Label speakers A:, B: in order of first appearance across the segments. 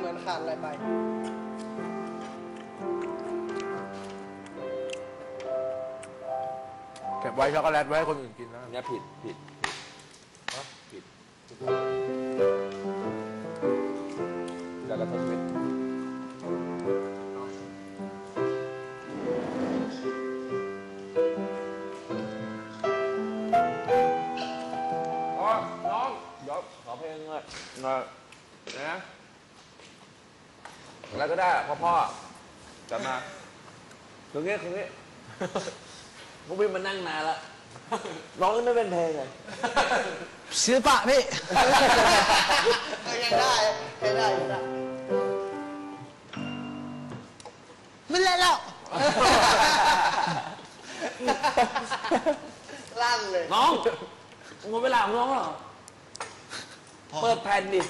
A: เหมือนขาดอะไรไป
B: เก็บไว้ช็อกโกแลตไว้ให้คนอื่นกินนะ
C: เนี่ยผิดแต่ละทศมิตรน้องเดี๋ยวขอเพลงหน่อยนะอะไรก็ได้พ่อจัดมาตรงนี้พวกพี่มานั่งนานละน้องไม่เป็นเพลงเลย
A: ศิลปะพี่ยังได้ไม่เล่นแล้วลั่นเลย
C: น้องหมดเวลาของน้องเหรอเปิดแผ่นดิ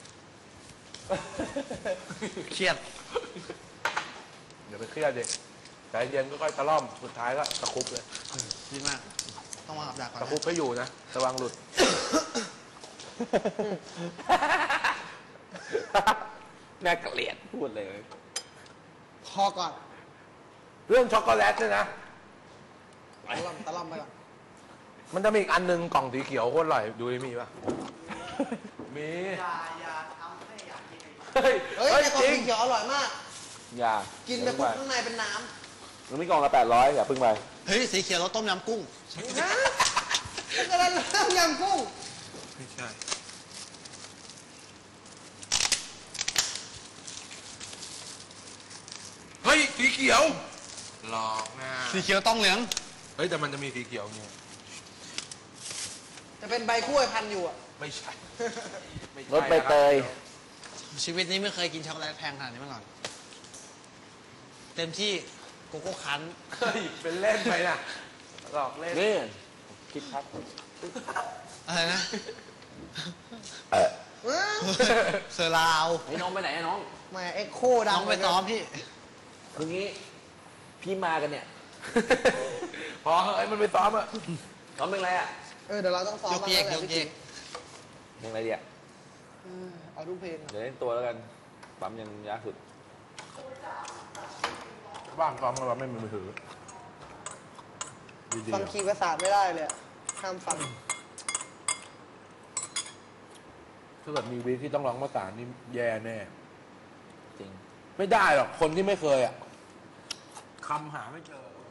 A: เครียด
B: เดี๋ยวไปเครียดดิใจเย็นก็ค่อยตะล่อมสุดท้ายก็ตะคุบเลย
A: ดีมากต้องวางกับดักก่อน
B: ตะคุบให้อยู่นะระวังหลุด
C: น่าเกลียดพูดเลย
A: พอก่อน
B: เรื่องช็อกโกแลตเนี่ยนะ
A: ตะล่อมไปก่อน
B: มันจะมีอีกอันนึงกล่องสีเขียวโคตรอร่อยดูมีป่ะมี
A: อย่าทำให้อยากกิน
B: เฮ้ย
A: แต่กล่องสีเขียวอร่อยมาก
C: อย่า
A: กินไปปุ๊บข้างในเป็นน้ำ
C: มันมีกล่องละ800อย่าพึ่งไป
A: เฮ้ยสีเขียวเราต้มยำกุ้งอะไรต้มยำกุ้ง
B: ไม่ใช่เฮ้ยสีเขียวหลอกนะ
A: สีเขียวต้องเหลือง
B: เฮ้ยแต่มันจะมีสีเขียวเนี่ย
A: จะเป็นใบกล้วยพันอยู่อ่ะ
B: ไม่ใช่
C: รสใบเตย
A: ชีวิตนี้ไม่เคยกินช็อกโกแลตแพงขนาดนี้มาก่อนเต็มที่โกโก้คั้น
B: เฮ้ยเป็นเล่นไปนะหลอกเล่น
C: นี่คิดครับ
A: อะไรนะเซอร์ลาว
C: ไอ้น้องไปไหนน้อง
A: มาเอ็กโคดังน้องไปซ้อมพี่
C: คืองี้พี่มากันเนี่ย
B: พอเฮ้ยมันไปซ้อมอะ
C: ซ้อมเป็นไรอะ
A: เดี๋ยวเราต้องซ้อม
C: ยกเยกเพลงอะไรดีอะ
A: เอาทุกเพลง
C: เดี๋ยวเล่นตัวแล้วกันปั๊มยังยากสุด
B: บ้างซ้อมแล้วไม่มีมือถือ
A: ฟังคีย์ประสาทไม่ได้เลยห้ามฟัง
B: ถ้าเกิดมีวีที่ต้องร้องประสานนี่แย่แน่
C: จริง
B: ไม่ได้หรอกคนที่ไม่เคยอ่ะคำหาไม่เจอ